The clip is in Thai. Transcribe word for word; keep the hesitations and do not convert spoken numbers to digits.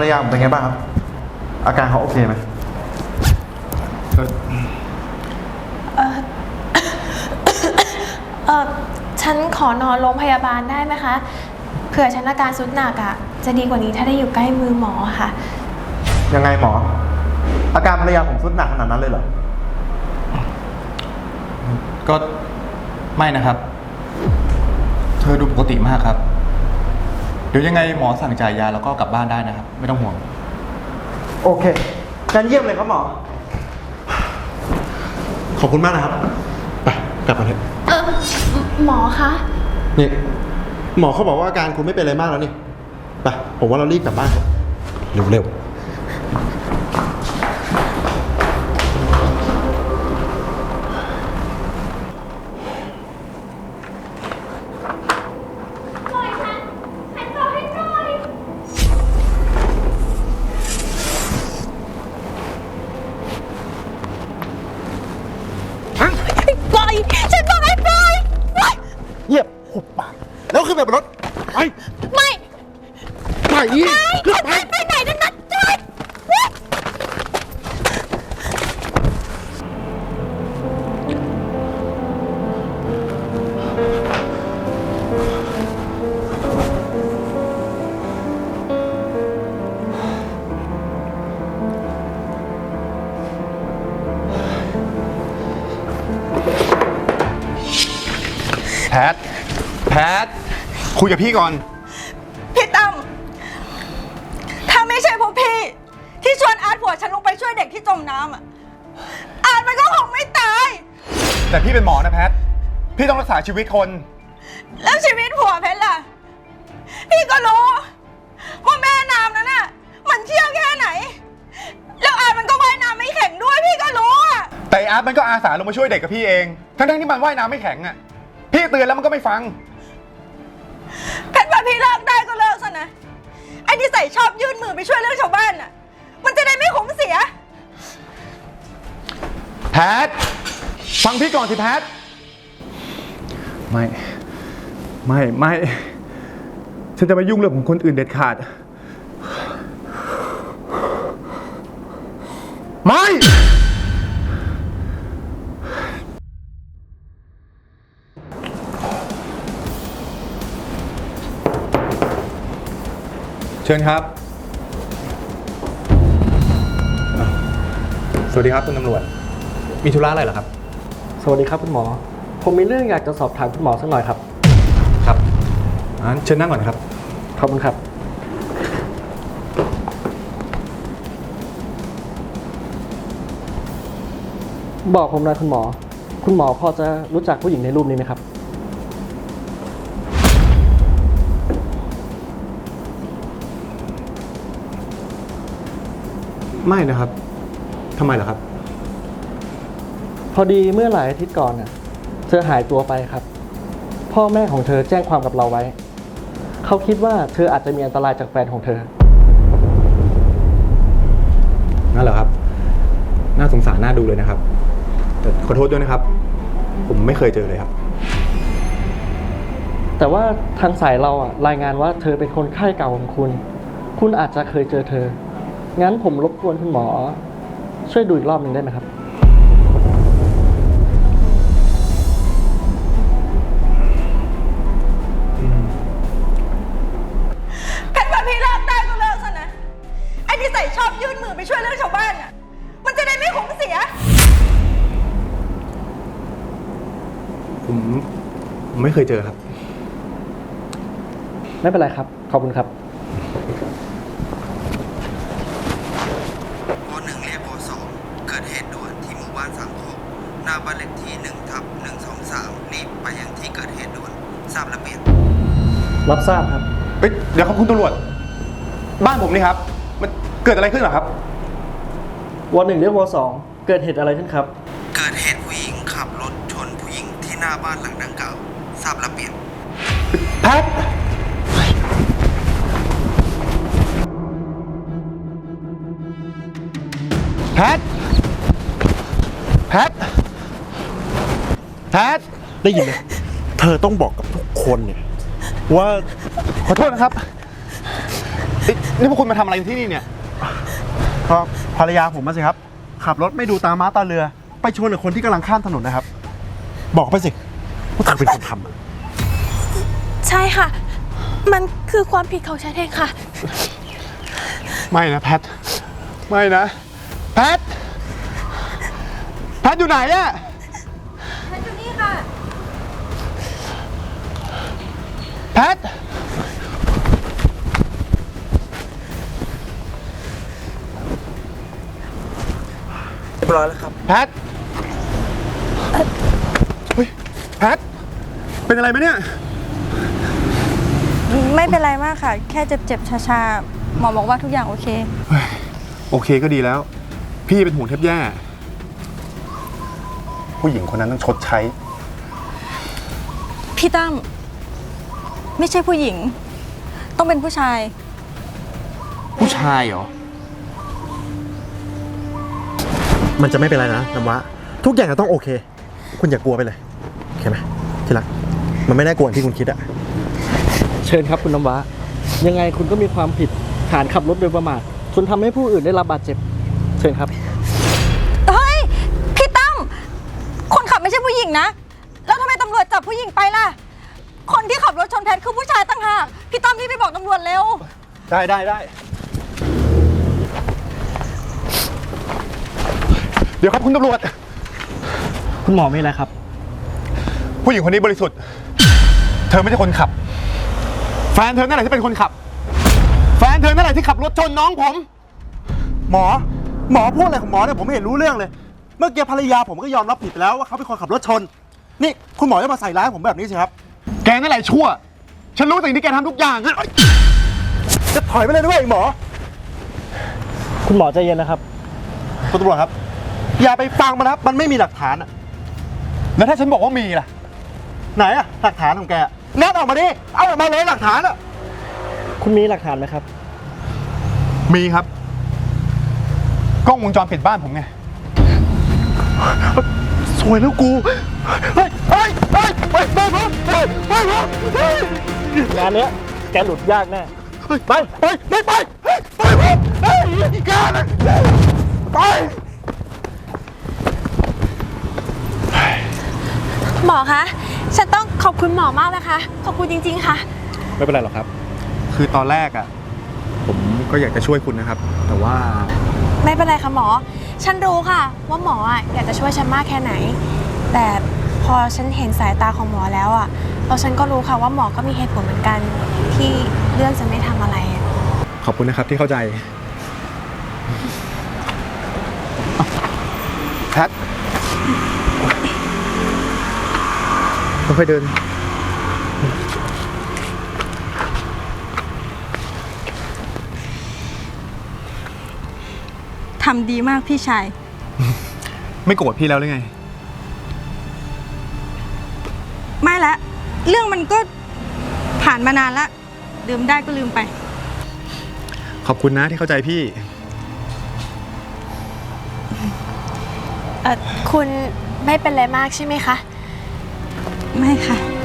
ยาผมเป็นไงบ้างครับอาการเขาโอเคไหมเออเออฉันขอนอนโรงพยาบาลได้ไหมคะเผื่อฉันอาการสุดหนักอ่ะจะดีกว่านี้ถ้าได้อยู่ใกล้มือหมอค่ะยังไงหมออาการภรรยาผมสุดหนักขนาดนั้นเลยเหรอก็ไม่นะครับ เธอดูปกติมากครับเดี๋ยวยังไงหมอสั่งจ่ายยาแล้วก็กลับบ้านได้นะครับไม่ต้องห่วงโอเคงั้นเยี่ยมเลยครับหมอขอบคุณมากนะครับไปกลับมาเถอะเออหมอคะนี่หมอเขาบอกว่าอาการคุณไม่เป็นอะไรมากแล้วนี่ไปผมว่าเรารีบกลับบ้านเร็วเร็วเยียบหุบปากแล้วขึ้นไปบนรถไปไม่ไปไปไปไหนนั่นนัดใจแพทแพทคุยกับพี่ก่อนพี่ตั้มถ้าไม่ใช่พวกพี่ที่ชวนอาร์ตผัวฉันลงไปช่วยเด็กที่จมน้ำอ่ะอาร์ตมันก็คงไม่ตายแต่พี่เป็นหมอนะแพทพี่ต้องรักษาชีวิตคนแล้วชีวิตผัวเพชรล่ะพี่ก็รู้ว่าแม่น้ำนั้นน่ะมันเชี่ยวแค่ไหนแล้วอาร์ตมันก็ว่ายน้ำไม่แข็งด้วยพี่ก็รู้อ่ะแต่อาร์ตมันก็อาสาลงมาช่วยเด็กกับพี่เองทั้งๆที่มันว่ายน้ำไม่แข็งอ่ะพี่เตือนแล้วมันก็ไม่ฟังเพชรว่าพี่เลิกได้ก็เลิกซะนะไอ้ที่ใส่ชอบยื่นมือไปช่วยเรื่องชาวบ้านน่ะมันจะได้ไม่ขมเสียแพทฟังพี่ก่อนสิแพทไม่ไม่ไม่ฉันจะไม่ยุ่งเรื่องของคนอื่นเด็ดขาดไม่เชิญครับสวัสดีครับคุณตำรวจมีธุระอะไรเหรอครับสวัสดีครับคุณหมอผมมีเรื่องอยากจะสอบถามคุณหมอสักหน่อยครับครับงั้นเชิญนั่งก่อนครับขอบคุณครับบอกผมหน่อยคุณหมอคุณหมอพอจะรู้จักผู้หญิงในรูปนี้ไหมครับไม่นะครับทำไมเหรอครับพอดีเมื่อหลายอาทิตย์ก่อนน่ะเธอหายตัวไปครับพ่อแม่ของเธอแจ้งความกับเราไว้เขาคิดว่าเธออาจจะมีอันตรายจากแฟนของเธอนั่นเหรอครับน่าสงสารน่าดูเลยนะครับแต่ขอโทษด้วยนะครับผมไม่เคยเจอเลยครับแต่ว่าทางสายเราอ่ะรายงานว่าเธอเป็นคนไข้เก่าของคุณคุณอาจจะเคยเจอเธองั้นผมรบกวนคุณหมอช่วยดูอีกรอบหนึ่งได้ไหมครับเพชรว่าพี่เลิกได้ก็เลิกซะนะไอ้ที่ใส่ชอบยื่นมือไปช่วยเรื่องชาวบ้านน่ะมันจะได้ไม่ขมเสียผมผมไม่เคยเจอครับไม่เป็นไรครับขอบคุณครับเกิดเหตุด่วนที่หมู่บ้านสามโคกหน้าบ้านเลขที่หนึ่งทับหนึ่งสองสามรีบไปยังที่เกิดเหตุด่วนทราบระเบียบรับทราบครับเฮ้ยเดี๋ยวครับคุณตำรวจบ้านผมนี่ครับมันเกิดอะไรขึ้นเหรอครับวอหนึ่งเรียกวอสองเกิดเหตุอะไรขึ้นครับเกิดเหตุผู้หญิงขับรถชนผู้หญิงที่หน้าบ้านหลังดังกล่าวทราบระเบียบแพทแพทแพทแพทได้ยินไหมเธอต้องบอกกับทุกคนเนี่ยว่าขอโทษนะครับนี่พวกคุณมาทำอะไรที่นี่เนี่ยก็ภรรยาผมมาสิครับ ขับรถไม่ดูตาม้าตาเรือ ไปชนกับคนที่กำลังข้ามถนนนะครับ บอกไปสิว่าเธอเป็นคนทำอะใช่ค่ะ มันคือความผิดของฉันเองค่ะไม่นะแพท ไม่นะ แพท แพทอยู่ไหนอะแพทอยู่นี่ค่ะแพทเรียบร้อยแล้วครับแพท เฮ้ย แพท เป็นอะไรไหมเนี่ยไม่เป็นไรมากค่ะ แค่เจ็บๆ ชาๆ หมอบอกว่าทุกอย่างโอเคโอเคก็ดีแล้ว พี่เป็นห่วงแทบแย่ ผู้หญิงคนนั้นต้องชดใช้พี่ตั้มไม่ใช่ผู้หญิง ต้องเป็นผู้ชายผู้ชายเหรอมันจะไม่เป็นไรนะน้ำว้าทุกอย่างจะต้องโอเค คุณอย่ากลัวไปเลย โอเคไหมที่รัก มันไม่น่ากลัวอย่างที่คุณคิดอะเชิญครับคุณน้ำว้ายังไงคุณก็มีความผิดฐานขับรถโดยประมาทจนทำให้ผู้อื่นได้รับบาดเจ็บ เชิญครับเฮ้ย พี่ตั้มคนขับไม่ใช่ผู้หญิงนะ แล้วทำไมตำรวจจับผู้หญิงไปล่ะ คนที่ขับรถชนแพทคือผู้ชายตั้งหากพี่ตั้มรีบไปบอกตำรวจเร็วได้ได้ได้ เดี๋ยวครับคุณตำรวจคุณหมอไม่อะไรครับผู้หญิงคนนี้บริสุทธิ์ เธอไม่ใช่คนขับ แฟนเธอนั่นแหละที่เป็นคนขับ แฟนเธอนั่นแหละที่ขับรถชนน้องผมหมอ หมอพูดอะไรของหมอเนี่ยผมไม่เห็นรู้เรื่องเลย เมื่อกี้ภรรยาผมก็ยอมรับผิดไปแล้วว่าเขาเป็นคนขับรถชน นี่คุณหมอจะมาใส่ร้ายผมแบบนี้สิครับแกนั่นแหละชั่ว ฉันรู้สิ่งที่แกทำทุกอย่างอะจะถอยไปเลยด้วยหมอคุณหมอใจเย็นนะครับคุณตำรวจครับ อย่าไปฟังมันนะครับ มันไม่มีหลักฐานอะแล้วถ้าฉันบอกว่ามีล่ะไหนอะหลักฐานของแกนัดออกมาดิ เอาออกมาเลยหลักฐานอะคุณมีหลักฐานไหมครับมีครับ กล้องวงจรปิดบ้านผมไงสวยแล้วกู เฮ้ย เฮ้ย เฮ้ยไปไปผมเฮ้ยไปผมเฮ้ยงานเนี้ยแกหลุดยากแน่ไป ไป ไม่ไป ไปผมเฮ้ยแกนะไปหมอคะ ฉันต้องขอบคุณหมอมากนะคะ ขอบคุณจริงๆค่ะไม่เป็นไรหรอกครับ คือตอนแรกอะผมก็อยากจะช่วยคุณนะครับ แต่ว่าไม่เป็นไรค่ะหมอ ฉันรู้ค่ะ ว่าหมออ่ะอยากจะช่วยฉันมากแค่ไหน แต่พอฉันเห็นสายตาของหมอแล้วอ่ะแล้วฉันก็รู้ค่ะว่าหมอก็มีเหตุผลเหมือนกันที่เลือกจะไม่ทำอะไรอะขอบคุณนะครับที่เข้าใจแพทค่อยๆเดินทำดีมากพี่ชายไม่โกรธพี่แล้วหรือไงไม่ละ เรื่องมันก็ผ่านมานานละลืมได้ก็ลืมไปขอบคุณนะที่เข้าใจพี่เออคุณไม่เป็นไรมากใช่ไหมคะไม่ค่ะ